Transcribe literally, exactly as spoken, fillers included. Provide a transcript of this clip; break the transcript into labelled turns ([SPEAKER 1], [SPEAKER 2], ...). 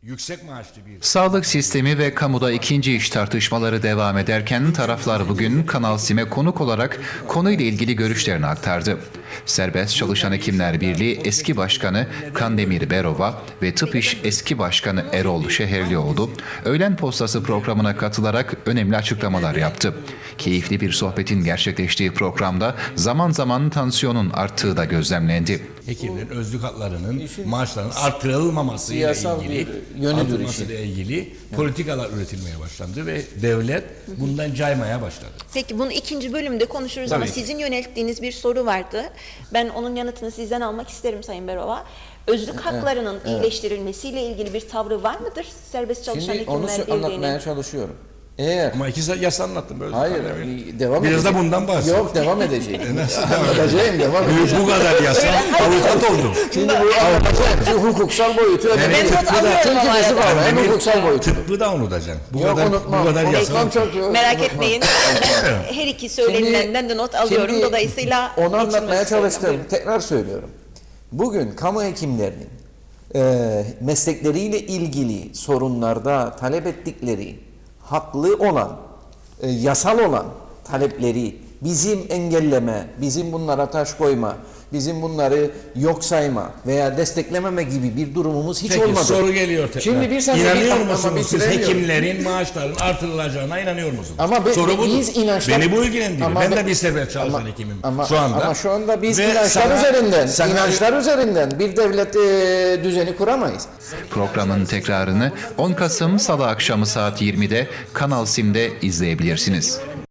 [SPEAKER 1] yüksek maaşlı bir...
[SPEAKER 2] Sağlık sistemi ve kamuda ikinci iş tartışmaları devam ederken taraflar bugün Kanal Sim'e konuk olarak konuyla ilgili görüşlerini aktardı. Serbest Çalışan Hekimler Birliği eski başkanı Kandemir Berova ve Tıp İş eski başkanı Erol Şehirlioğlu öğlen postası programına katılarak önemli açıklamalar yaptı. Keyifli bir sohbetin gerçekleştiği programda zaman zaman tansiyonun arttığı da gözlemlendi.
[SPEAKER 1] Hekimlerin özlük haklarının, maaşlarının artırılmaması ile ilgili,
[SPEAKER 3] yönüdür
[SPEAKER 1] ile ilgili politikalar üretilmeye başlandı ve devlet bundan caymaya başladı.
[SPEAKER 4] Peki bunu ikinci bölümde konuşuruz
[SPEAKER 1] Tabii
[SPEAKER 4] ama
[SPEAKER 1] ki.
[SPEAKER 4] sizin yönelttiğiniz bir soru vardı. Ben onun yanıtını sizden almak isterim Sayın Berova. Özlük haklarının
[SPEAKER 3] evet.
[SPEAKER 4] iyileştirilmesiyle ilgili bir tavrı var mıdır Serbest Çalışan
[SPEAKER 3] Şimdi onu
[SPEAKER 4] Hekimler
[SPEAKER 3] anlatmaya
[SPEAKER 4] Birliği'nin?
[SPEAKER 3] çalışıyorum. Eğer
[SPEAKER 1] Ama iki yas anlattım. Böyle
[SPEAKER 3] hayır
[SPEAKER 1] zaten.
[SPEAKER 3] devam
[SPEAKER 1] Biraz
[SPEAKER 3] edeceğim.
[SPEAKER 1] da bundan bahset.
[SPEAKER 3] Yok devam edeceğim.
[SPEAKER 1] Nasıl devam
[SPEAKER 3] Anlatacağım devam edeceğim.
[SPEAKER 1] Bu kadar yasa, avukat oldum.
[SPEAKER 3] Şimdi bu anlatacağım. Şu hukuksal boyutu önemli.
[SPEAKER 4] Ben not alıyorum
[SPEAKER 3] Çünkü
[SPEAKER 4] ama
[SPEAKER 3] kızı var. Hem hukuksal boyutu.
[SPEAKER 1] Tıbbı da unutacaksın. Bu
[SPEAKER 3] Yok
[SPEAKER 1] kadar,
[SPEAKER 3] unutmam.
[SPEAKER 1] bu kadar yasa.
[SPEAKER 3] Unutmam çok yok.
[SPEAKER 4] Merak
[SPEAKER 3] unutmam.
[SPEAKER 4] etmeyin. Ben her iki söylenilenden de not alıyorum.
[SPEAKER 3] Şimdi
[SPEAKER 4] Dolayısıyla
[SPEAKER 3] onu
[SPEAKER 4] geçilmesi
[SPEAKER 3] anlatmaya
[SPEAKER 4] söyleyeyim.
[SPEAKER 3] çalıştım. Tekrar söylüyorum. Bugün kamu hekimlerinin e, meslekleriyle ilgili sorunlarda talep ettikleri haklı olan, e, yasal olan talepleri bizim engelleme, bizim bunlara taş koyma, bizim bunları yok sayma veya desteklememe gibi bir durumumuz hiç
[SPEAKER 1] Peki,
[SPEAKER 3] olmadı.
[SPEAKER 1] soru geliyor tekrar.
[SPEAKER 3] Şimdi bir saniye
[SPEAKER 1] İnanıyor
[SPEAKER 3] bir- ama
[SPEAKER 1] musunuz siz
[SPEAKER 3] bitiremiyorum.
[SPEAKER 1] hekimlerin maaşlarının artırılacağına inanıyor musunuz?
[SPEAKER 3] Ama be,
[SPEAKER 1] soru budur.
[SPEAKER 3] biz inançlar...
[SPEAKER 1] Beni bu ilgilendiriyor.
[SPEAKER 3] Ama
[SPEAKER 1] Ben
[SPEAKER 3] be-
[SPEAKER 1] de bir serbest çalışan
[SPEAKER 3] ama-
[SPEAKER 1] hekimim
[SPEAKER 3] ama,
[SPEAKER 1] şu anda.
[SPEAKER 3] Ama şu anda biz
[SPEAKER 1] Ve
[SPEAKER 3] inançlar
[SPEAKER 1] sana-
[SPEAKER 3] üzerinden,
[SPEAKER 1] sana-
[SPEAKER 3] inançlar üzerinden bir devlet e, düzeni kuramayız.
[SPEAKER 2] Programın tekrarını on Kasım Salı akşamı saat yirmide Kanal Sim'de izleyebilirsiniz.